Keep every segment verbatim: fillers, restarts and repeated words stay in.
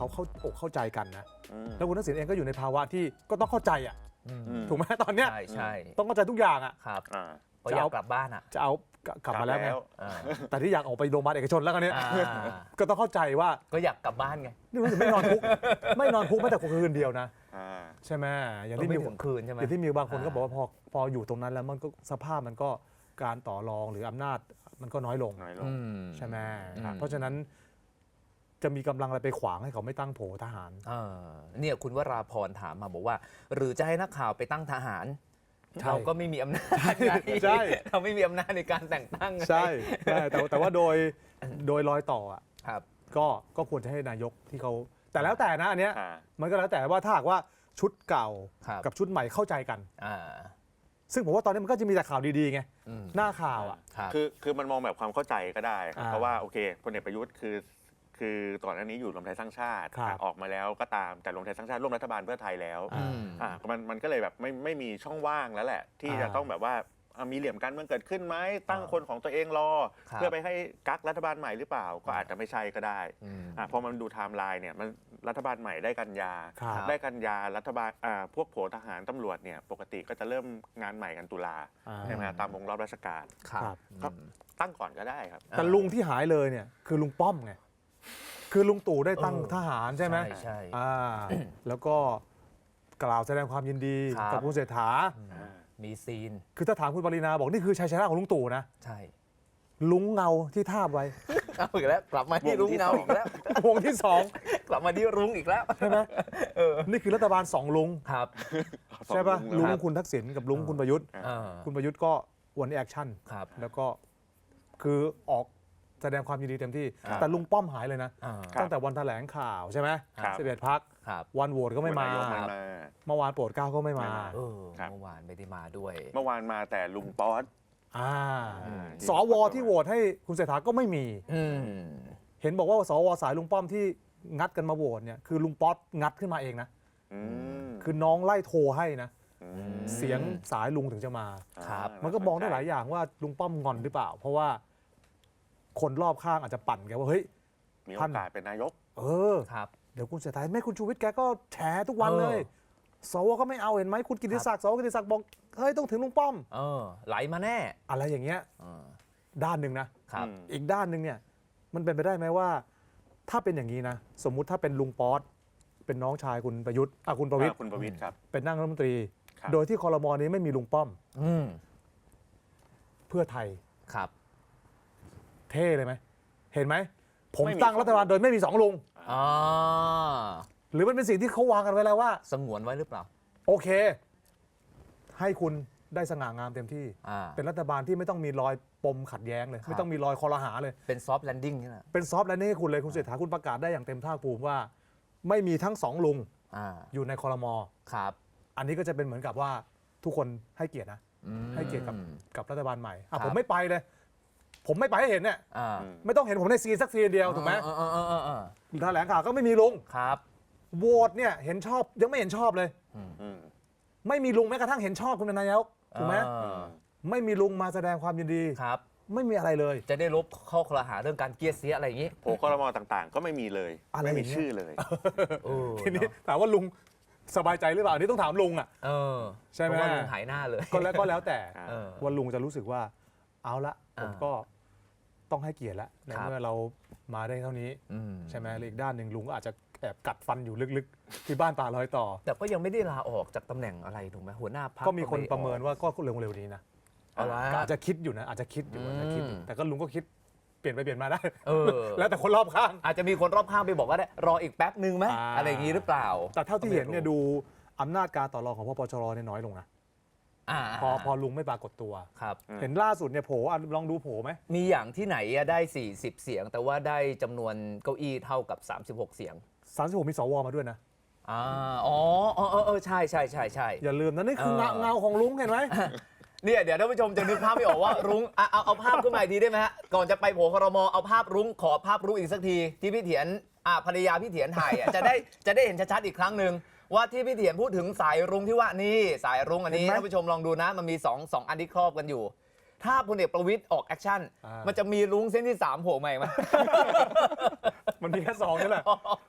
เขาเข้าอกเข้าใจกันนะอืมแล้วคุณทักษิณเองก็อยู่ในภาวะที่ก็ต้องเข้าใจอ่ะอืมอืมถูกไหมตอนเนี้ยใช่ใช่ต้องเข้าใจทุกอย่างอ่ะครับอ่าก็อยากกลับบ้านอ่ะจะเอากลับมาแล้วไงอ่าแต่ที่อยากออกไปโรงพยาบาลเอกชนแล้วกันเนี้ยอ่าก็ต้องเข้าใจว่าก็อยากกลับบ้านไงนี่รู้สึกไม่นอนคุก ไม่นอนคุกแม้แต่คืนเดียวนะอ่าใช่ไหมอย่างก็ที่ไม่มีถึงคืนใช่ไหมอย่างที่มีบางคนก็บอกว่าพอพออยู่ตรงนั้นแล้วมันก็สภาพมันก็การต่อรองหรืออำนาจมันก็น้อยลงน้อยลงอืมใช่ไหมอืมเพราะฉะนั้นจะมีกำลังอะไรไปขวางให้เขาไม่ตั้งโผทหารเออเนี่ยคุณวราพรถามมาบอกว่า หรือจะให้นักข่าวไปตั้งทหารใช่เราก็ไม่มีอำนาจไงใช่เราไม่มีอำนาจในการแต่งตั้งไงใช่ใช่แต่แต่ว่าโดยโดยรอยต่ออ่ะครับก็ก็ควรจะให้นายกที่เขาแต่แล้วแต่นะอันเนี้ยอ่ามันก็แล้วแต่ว่าถ้าหากว่าชุดเก่าครับกับชุดใหม่เข้าใจกันอ่าซึ่งผมว่าตอนนี้มันก็จะมีแต่ข่าวดีๆไงอืมหน้าข่าวอ่ะครับคือคือมันมองแบบความเข้าใจก็ได้ครับอ่าเพราะว่าโอเคพลเอกประยุทธ์คือคือก่อนหน้านี้อยู่รวมไทยสร้างชาติครับอ่ะออกมาแล้วก็ตามแต่รวมไทยสร้างชาติร่วมรัฐบาลเพื่อไทยแล้วอ่าอืมอ่ามันมันก็เลยแบบไม่ไม่มีช่องว่างแล้วแหละ ที่อ่าจะต้องแบบว่าอ่ะมีเหลี่ยมการเมืองเกิดขึ้นไหมตั้งอ่าคนของตัวเองรอครับเพื่อไปให้กักรัฐบาลใหม่หรือเปล่า ก็อาจจะไม่ใช่ก็ได้อืมอ่ะพอมันดูไทม์ไลน์เนี่ยมันรัฐบาลใหม่ได้กันยาครับได้กันยารัฐบาลอ่าพวกโผทหารตำรวจเนี่ยปกติก็จะเริ่มงานใหม่กันตุลาอ่าใช่ไหมฮะตามวงรอบราชการครับครับ ตั้งก่อนก็ได้ครับแต่ลุงที่หายเลยเนี่ยคือลุงป้อมไงคือลุงตู่ได้ตั้งเออทหารใช่ไหมใช่ใช่อ่าแล้วก็กล่าวแสดงความยินดีครับกับคุณเศรษฐามีซีนคือถ้าถามคุณปรินาบอกนี่คือชัยชนะของลุงตู่นะใช่ลุงเงาที่ทาบไว้เอาอีกแล้วกลับมาที่วงรุ้งที่เงาสองอีกแล้ววงที่สองกลับมาที่รุ้งอีกแล้วใช่ไหมนี่คือรัฐบาลสองลุงครับใช่ป่ะสองลุงแล้วคุณทักษิณกับลุงคุณประยุทธ์เออคุณประยุทธ์ก็วันนี้แอคชั่นครับแล้วก็คือออกแสดงความยินดีเต็มที่ครับแต่ลุงป้อมหายเลยนะอ่าครับตั้งแต่วันแถลงข่าวใช่ไหมครับสิบเอ็ดพักครับวันโหวตก็ไม่มานายกไม่มาเมื่อวานโปรดเกล้าก็ไม่มาไม่มาเออครับเมื่อวานไม่ได้มาด้วยเมื่อวานมาแต่ลุงป๊อตอ่าอืมสวที่โหวตให้คุณเศรษฐาก็ไม่มีอืมเห็นบอกว่าสวสายลุงป้อมที่งัดกันมาโหวตเนี่ยคือลุงป๊อตงัดขึ้นมาเองนะอืมคือน้องไล่โทรให้นะมเสียงสายลุงถึงจะมาครับามันก็มองได้หลายอย่างว่าลุงป้อมงอนหรือเปล่า เพราะว่าคนรอบข้างอาจจะปั่นแกว่าเฮ้ยมีโอกาสเป็นนายกเออครับเดี๋ยวคุณเศรษฐาแม่คุณชูวิทย์แกก็แฉทุกวันเลยเออสวก็ไม่เอาเห็นไหมคุณกิติศักดิ์สวกิติศักดิ์บอกเฮ้ยต้องถึงลุงป้อมเออ ไหลมาแน่อะไรอย่างเงี้ยเออด้านหนึ่งนะครับอืมอีกด้านหนึ่งเนี่ยมันเป็นไปได้ไหมว่า ถ้าเป็นอย่างนี้นะ สมมุติถ้าเป็นลุงป๊อตเป็นน้องชายคุณประยุทธ์อ่ะคุณประวิตรอ่าคุณประวิตรครับเป็นนั่งรัฐมนตรีครับโดยที่คอรมอนี้ไม่มีลุงป้อมอืมเพื่อไทยครับเท่เลยไหมเห็นไหมผมไม่มีตั้งรัฐบาลโดยไม่มีสองลุงอ๋อหรือมันเป็นสิ่งที่เขาวางกันไว้แล้วว่าสงวนไว้หรือเปล่าโอเค ให้คุณได้สง่างามเต็มที่อ่าเป็นรัฐบาลที่ไม่ต้องมีรอยปมขัดแย้งเลยครับไม่ต้องมีรอยคอรหาเลยเป็นซอฟต์แลนดิ้งใช่ไหมเป็นซอฟต์แลนดิ้งให้คุณเลยคุณเศรษฐาคุณประกาศได้อย่างเต็มภาคภูมิว่า ไม่มีทั้งสองลุงอ่าอยู่ในคอรมอครับอันนี้ก็จะเป็นเหมือนกับว่าทุกคนให้เกียรตินะอืมให้เกียรติกับกับรัฐบาลใหม่อ่ะครับผมไม่ไปเลย ผมไม่ไปให้เห็นเนี่ยอ่าอืมไม่ต้องเห็นผมในซีนสักซีนเดียวถูกไหมเออเออเออเออเออแถลงข่าวก็ไม่มีลุงครับโหวตเนี่ยเห็นชอบยังไม่เห็นชอบเลยอืมไม่มีลุงแม้กระทั่งเห็นชอบคุณเป็นนายกถูกไหมเออไม่มีลุงมาแสดงความยินดีครับไม่มีอะไรเลยจะได้ลบข้อคลหาเรื่องการเกลียดเสียอะไรอย่างนี้โผล่คอรมอต่างๆ ก็ไม่มีเลยอะไรไม่มีอย่างเงี้ยชื่อเลยเออทีนี้ถามว่าลุงสบายใจหรือเปล่าอันนี่ต้องถามลุงอ่ะเออใช่ไหมเพราะว่าลุงหายหน้าเลยก็แล้วก็แล้วแต่อ่าเออว่าลุงจะรู้สึกว่า เอาละผมอ่าก็ต้องให้เกียรติแล้วในครับเมื่อเรามาได้เท่านี้อืมใช่ไหมหรืออีกด้านหนึ่งลุงก็อาจจะแอบกัดฟันอยู่ลึกๆ ที่บ้านป่าลอยต่อแต่ก็ยังไม่ได้ลาออกจากตำแหน่งอะไรถูกไหมหัวหน้าพรรคก็มีคนไได้ประเมินออกว่าก็เร็วๆนี้นะเอาละก็อาจจะคิดอยู่นะอาจจะคิดอยู่อาจจะคิดอยู่อืมแต่ก็ลุงก็คิดเปลี่ยนไปเปลี่ยนมาได้เออแล้วแต่คนรอบข้างอาจจะมีคนรอบข้างไปบอกว่าได้รออีกแป๊บนึงไหมอ่าอะไรอย่างนี้หรือเปล่าแต่เท่าที่เห็นเนี่ยดูอำนาจการต่อรองของพปชรเนี่ยน้อยลงนะอ่าพอพอลุงไม่ปรากฏตัวครับอืมเห็นล่าสุดเนี่ยโผล่อ่ะลองดูโผล่ไหมมีอย่างที่ไหนอะได้ สี่สิบ เสียง แต่ว่าได้จำนวนเก้าอี้เท่ากับ สามสิบหก เสียงสามสิบหกมีสวมาด้วยนะอ่าอ๋อเออเออเออใช่ใช่ใช่ใช่อย่าลืมนะนี่คือเออเงาเงาของลุงเห็นไหมเนี่ยเดี๋ยวท่านผู้ชมจะนึกภาพไม่ออกว่ารุ้งอ่ะเอาเอาภาพขึ้นมาอีกทีได้ไหมฮะก่อนจะไปโผล่ครมเอาภาพรุ้งขอภาพรุ้งอีกสักทีที่พี่เถียนอ่ะภรรยาพี่เถียนถ่ายอ่ะจะได้จะได้เห็นชัดๆอีกครั้งหนึ่งว่าที่พี่เถียนพูดถึงสายรุ้งที่ว่านี่สายรุ้งอันนี้เห็นไหมท่านผู้ชมลองดูนะมันมีสองสองอันที่ครอบกันอยู่ ถ้าพลเอกประวิตยออกแอคชั่นอ่ามัมันจะมีรุ้งเส้นที่สามโผล่มาอีกไหมมันมีแค่สองนี่แหละ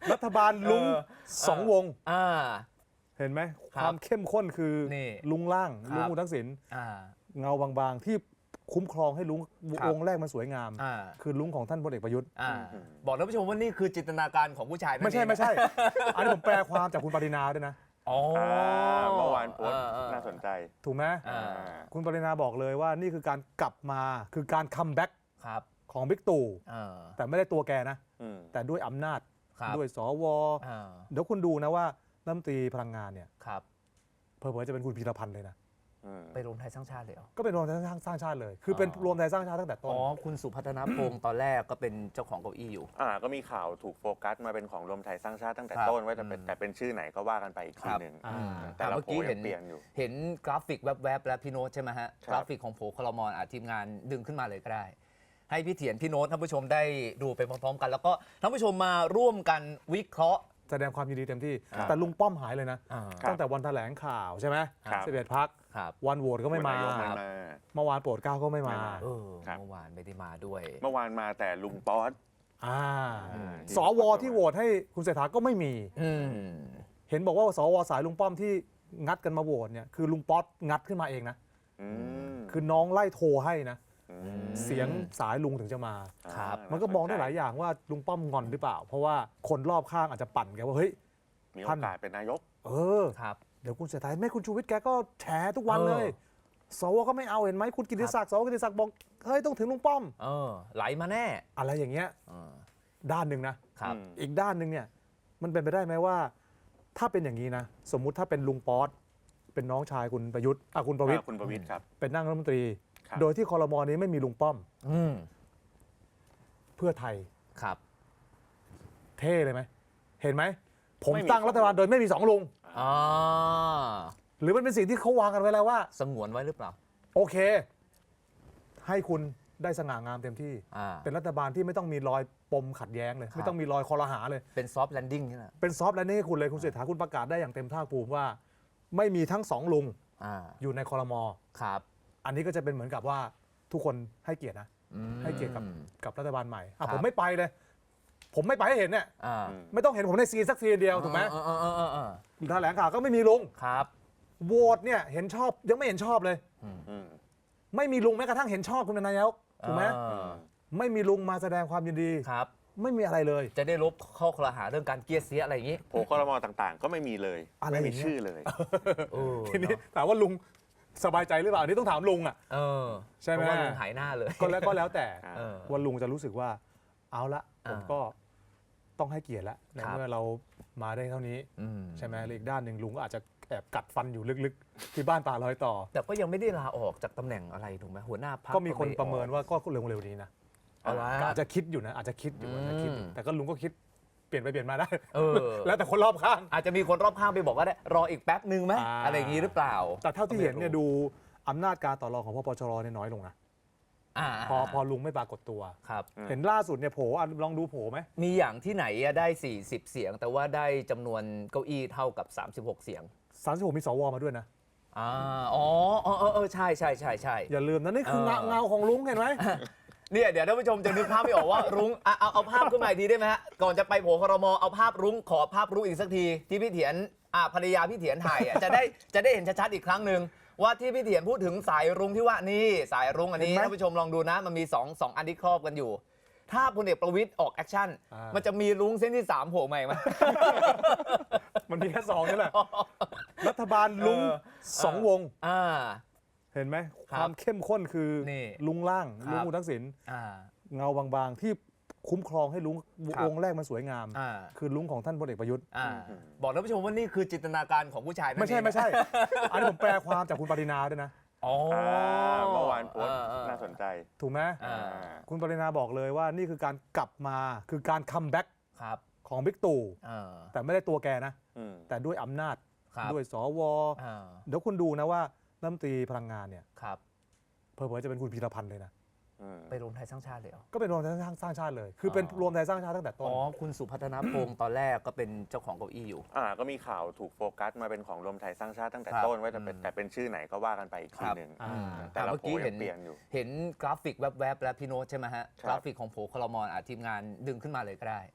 รัฐบาลลุงเออสองวงอ่าเห็นไหมครับความเข้มข้นคือนี่ลุงล่างครับลุงคุณทักษิณอ่าเงาบางๆ ที่คุ้มครองให้ลุงครับวงแรกมันสวยงามอ่าคือลุงของท่านพลเอกประยุทธ์อ่าบอกท่านผู้ชมว่านี่คือจินตนาการของผู้ชายนั่นไม่ใช่เองไม่ใช่ อันนี้ผมแปลความจากคุณปรินาด้วยนะอ๋ออ่าเมื่อวานโพสต์เออเออน่าสนใจถูกไหมอ่าคุณปรินาบอกเลยว่านี่คือการกลับมาคือการคัมแบ็กครับของบิ๊กตู่เออแต่ไม่ได้ตัวแกนะอืมแต่ด้วยอำนาจครับด้วยสวอ่าเดี๋ยวคุณดูนะว่ารัฐมนตรีพลังงานเนี่ยครับเผลอๆจะเป็นคุณพีรพันธ์เลยนะอืมไปรวมไทยสร้างชาติเลยเหรอก็เป็นรวมไทยสร้างชาติเลย คือเป็นอ๋อรวมไทยสร้างชาติตั้งแต่ต้นอ๋อ คุณสุพัฒนพงศ์ตอนแรกก็เป็นเจ้าของเก้าอี้อยู่อ่าก็มีข่าวถูกโฟกัสมาเป็นของรวมไทยสร้างชาติตั้งแต่ครับต้นว่าจะเป็นอืมแต่เป็นชื่อไหนก็ว่ากันไปอีกทีหนึ่งอ่าแต่ละเมื่อโผกี้ล่เห็ยันงเปลี่ยนอยู่เห็นกราฟิกแวบๆแล้วพี่โน้ตใช่ไหมฮะครับกราฟิกของโผล่คลมอนอาทีมงานดึงขึ้นมาเลยก็ได้ ให้พี่เถียนพี่โน้ตท่านผู้ชมได้ดูไปพร้อมๆกัน แล้วก็ท่านผู้ชมมาร่วมกันวิเคราะห์แสดงความยินดีเต็มที่ครับแต่ลุงป้อมหายเลยนะอ่าครับตั้งแต่วันแถลงข่าวใช่ไหมครับสิบเอ็ดพักครับวันโหวตก็ไม่มานายกไม่มาเมื่อวานโปรดเกล้าก็ไม่มาไม่มาเออครับเมื่อวานไม่ได้มาด้วยเมื่อวานมาแต่ลุงป๊อตอ่าอืมสวที่โหวตให้คุณเศรษฐาก็ไม่มีอืมเห็นบอกว่าสวสายลุงป้อมที่งัดกันมาโหวตเนี่ยคือลุงป๊อตงัดขึ้นมาเองนะอืมคือน้องไล่โทรให้นะมเสียงสายลุงถึงจะมาครับมันก็มองได้หลายอย่างว่าลุงป้อมงอนหรือเปล่า เพราะว่าคนรอบข้างอาจจะปั่นแกว่าเฮ้ยมีโอกาสเป็นนายกเออครับเดี๋ยวคุณเศรษฐาแม่คุณชูวิทย์แกก็แฉทุกวันเลยเออสวก็ไม่เอาเห็นไหมคุณกิติศักดิ์สวกิติศักดิ์บอกเฮ้ยต้องถึงลุงป้อมเออ ไหลมาแน่อะไรอย่างเงี้ยเออด้านหนึ่งนะครับอืมอีกด้านหนึ่งเนี่ยมันเป็นไปได้ไหมว่า ถ้าเป็นอย่างนี้นะ สมมุติถ้าเป็นลุงป๊อตเป็นน้องชายคุณประยุทธ์อ่ะคุณประวิตรอ่าคุณประวิตรครับเป็นนั่งรัฐมนตรีครับโดยที่คอรมอนี้ไม่มีลุงป้อมอืมเพื่อไทยครับเท่เลยไหมเห็นไหมผมไม่มีตั้งรัฐบาลโดยไม่มีสองลุงอ่าหรือมันเป็นสิ่งที่เขาวางกันไว้แล้วว่าสงวนไว้หรือเปล่าโอเค ให้คุณได้สง่างามเต็มที่อ่าเป็นรัฐบาลที่ไม่ต้องมีรอยปมขัดแย้งเลยครับไม่ต้องมีรอยคอรหาเลยเป็นซอฟต์แลนดิ้งนี่แหละเป็นซอฟต์แลนดิ้งให้คุณเลยคุณเศรษฐาคุณประกาศได้อย่างเต็มภาคภูมิว่า ไม่มีทั้งสองลุงอ่าอยู่ในคอรมอครับอันนี้ก็จะเป็นเหมือนกับว่าทุกคนให้เกียรตินะอืมให้เกียรติกับ กับรัฐบาลใหม่อ่ะครับผมไม่ไปเลย ผมไม่ไปให้เห็นเนี่ยอ่าอืมไม่ต้องเห็นผมในซีนสักซีนเดียวถูกไหมเออเออเออเออเออแถลงข่าวก็ไม่มีลุงครับโหวตเนี่ยเห็นชอบยังไม่เห็นชอบเลยอืมไม่มีลุงแม้กระทั่งเห็นชอบคุณนายกถูกไหมเออไม่มีลุงมาแสดงความยินดีครับไม่มีอะไรเลยจะได้ลบข้อคลหาเรื่องการเกลียดเสียอะไรอย่างนี้โผล่คอรมอต่างๆ ก็ไม่มีเลยอะไรไม่อมีย่างเงี้ยชื่อเลยเออทีนี้ถามว่าลุงสบายใจหรือเปล่าอันนี้ต้องถามลุงอ่ะเออใช่ไหมเพราะว่าลุงหายหน้าเลยก็แล้วก็แล้วแต่อ่าเออว่าลุงจะรู้สึกว่า เอาละผมอ่าก็ต้องให้เกียรติแล้วในครับเมื่อเรามาได้เท่านี้อืมใช่ไหมแล้วอีกด้านหนึ่งลุงก็อาจจะแอบกัดฟันอยู่ลึกๆ ที่บ้านป่าลอยต่อแต่ก็ยังไม่ได้ลาออกจากตำแหน่งอะไรถูกไหมหัวหน้าพรรคก็มีคนไออกประเมินว่าก็เร็วๆนี้นะเอาละก็อาจจะคิดอยู่นะอาจจะคิดอยู่อาจจะคิดอยู่อืมแต่ก็ลุงก็คิดเปลี่ยนไปเปลี่ยนมาได้เออแล้วแต่คนรอบข้างอาจจะมีคนรอบข้างไปบอกว่าได้รออีกแป๊บนึงไหมอ่าอะไรอย่างนี้หรือเปล่าแต่เท่าที่เห็นเนี่ยดูอำนาจการต่อรองของพปชรเนี่ยน้อยลงนะอ่าพอพอลุงไม่ปรากฏตัวครับเห็นล่าสุดเนี่ยโผล่อ่ะลองดูโผล่ไหมมีอย่างที่ไหนอะได้ สี่สิบ เสียง แต่ว่าได้จำนวนเก้าอี้เท่ากับ สามสิบหก เสียงสามสิบหกมีสวมาด้วยนะอ่าอ๋อเออเออเออใช่ใช่ใช่ใช่อย่าลืมนะนี่คือเออเงาเงาของลุงเห็นไหมเนี่ยเดี๋ยวท่านผู้ชมจะนึกภาพไม่ออกว่า รุ้งอ่ะเอาเอาภาพขึ้นมาอีกทีได้ไหมฮะก่อนจะไปโผล่ครมเอาภาพรุ้งขอภาพรุ้งอีกสักทีที่พี่เถียนอ่ะภรรยาพี่เถียนถ่ายอ่ะจะได้จะได้เห็นชัดๆอีกครั้งหนึ่งว่าที่พี่เถียนพูดถึงสายรุ้งที่ว่านี่สายรุ้งอันนี้เห็นไหมท่านผู้ชมลองดูนะมันมีสองสองอันที่ครอบกันอยู่ ถ้าพลเอกประวิตยออกแอคชั่นอ่ามัมันจะมีรุ้งเส้นที่สามโผล่มาอีกไหมมันมีแค่สองนี่แหละ รัฐบาลลุงเออสองวงอ่าเห็นไหมครับความเข้มข้นคือนี่ลุงล่างครับลุงคุณทักษิณอ่าเงาบางๆ ที่คุ้มครองให้ลุงครับวงแรกมันสวยงามอ่าคือลุงของท่านพลเอกประยุทธ์อ่าบอกท่านผู้ชมว่านี่คือจินตนาการของผู้ชายนั่นไม่ใช่เองไม่ใช่ อันนี้ผมแปลความจากคุณปรินาด้วยนะอ๋ออ่าเมื่อวานโพสต์เออเออน่าสนใจถูกไหมอ่าคุณปรินาบอกเลยว่านี่คือการกลับมาคือการคัมแบ็กครับของบิ๊กตู่เออแต่ไม่ได้ตัวแกนะอืมแต่ด้วยอำนาจครับด้วยสวเออเดี๋ยวคุณดูนะว่ารัฐมนตรีพลังงานเนี่ยครับเผลอๆจะเป็นคุณพีรพันธ์เลยนะอืมไปรวมไทยสร้างชาติเลยเหรอก็เป็นรวมไทยสร้างชาติเลย คือเป็นอ๋อรวมไทยสร้างชาติตั้งแต่ต้นอ๋อ คุณสุพัฒนพงศ์ตอนแรกก็เป็นเจ้าของเก้าอี้อยู่อ่าก็มีข่าวถูกโฟกัสมาเป็นของรวมไทยสร้างชาติตั้งแต่ครับต้นว่าจะเป็นอืมแต่เป็นชื่อไหนก็ว่ากันไปอีกทีหนึ่งอ่าแต่ละเมื่อโผกี้ล่ยัเห็งนเปลี่ยนอยู่เห็นกราฟิกแวบๆแล้วพี่โน้ตใช่ไหมฮะครับกราฟิกของโผล่คลมอนอาทีมงานดึงขึ้นมาเลยก็ได้ ใ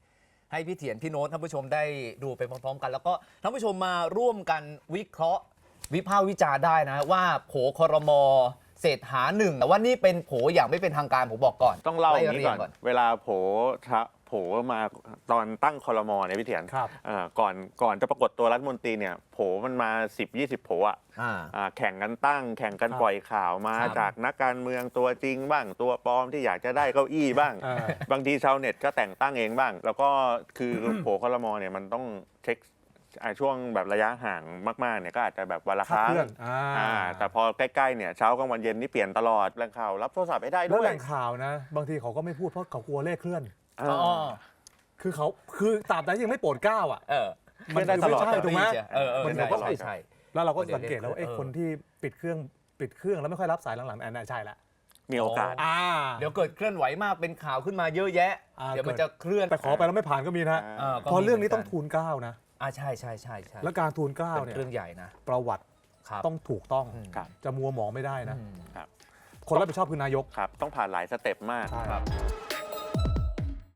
ให้พี่เถียนพี่โน้ตท่านผู้ชมได้ดูไปพร้อมๆกัน แล้วก็ท่านผู้ชมมาร่วมกันวิเคราะห์วิพากษ์วิจารณ์ได้นะว่าโผครม.เศรษฐาหนึ่งแต่ว่านี่เป็นโผอย่างไม่เป็นทางการผมบอกก่อนต้องเล่าอย่างนี้ไรีก่อน เวลาโผทะโผมาตอนตั้งครมเนี่ยพี่เถียนครับเอ่อก่อนก่อนจะปรากฏตัวรัฐมนตรีเนี่ยโผมันมา สิบ ยี่สิบ โผอ่ะอ่าอ่าแข่งกันตั้ง แข่งกันครับปล่อยข่าวมาครับจากนักการเมืองตัวจริงบ้างตัวปลอมที่อยากจะได้เก้าอี้บ้างอ่าบางทีชาวเน็ตก็แต่งตั้งเองบ้าง แล้วก็คือโผครมเนี่ยมันต้องเช็คอ่าช่วงแบบระยะห่างมากๆเนี่ยก็อาจจะแบบวันละคคาดรั้งเคลื่อนอ่าอ่าแต่พอใกล้ๆเนี่ยเช้ากลางวันเย็นนี่เปลี่ยนตลอดแหล่งข่าวรับโทรศัพท์ไม่ได้แล้วด้วแหยล่งข่าวนะ บางทีเขาก็ไม่พูดเพราะเขากลัวเลขเคลื่อนอ่าอ๋อคือเขาคือตราบใดยังไม่โปรดเกล้าอ่ะเออมันได้คือตลอดไม่ใช่ถูกไหมเออเออมันใช่ก็ใช่ใช่แล้วเราก็เดี๋ยวสังเกตแล้วว่าเดี๋ไอ้ยวคนที่ปิดเครื่องปิดเครื่องแล้วไม่ค่อยรับสายหลังๆอันนั้นใช่ละมีโอกาสอ่าเดี๋ยวเกิดเคลื่อนไหวมากเป็นข่าวขึ้นมาเยอะแยะอ่าเดี๋ยวมันจะเคลื่อนแต่ขอไปแล้วไม่ผ่านก็มีนะเออก็เพราะมีเรื่องนี้หมืต้องทูลเกล้านะอ่าใช่ใช่ใช่ใช่และการทูลเกล้าเป็นเนี่ยเรื่องใหญ่นะประวัติครับต้องถูกต้องอืมครับจะมัวหมองไม่ได้นะอืมคนรับผิดชอบคือนายกครับต้องผ่านหลายสเต็ปมากใช่ครับ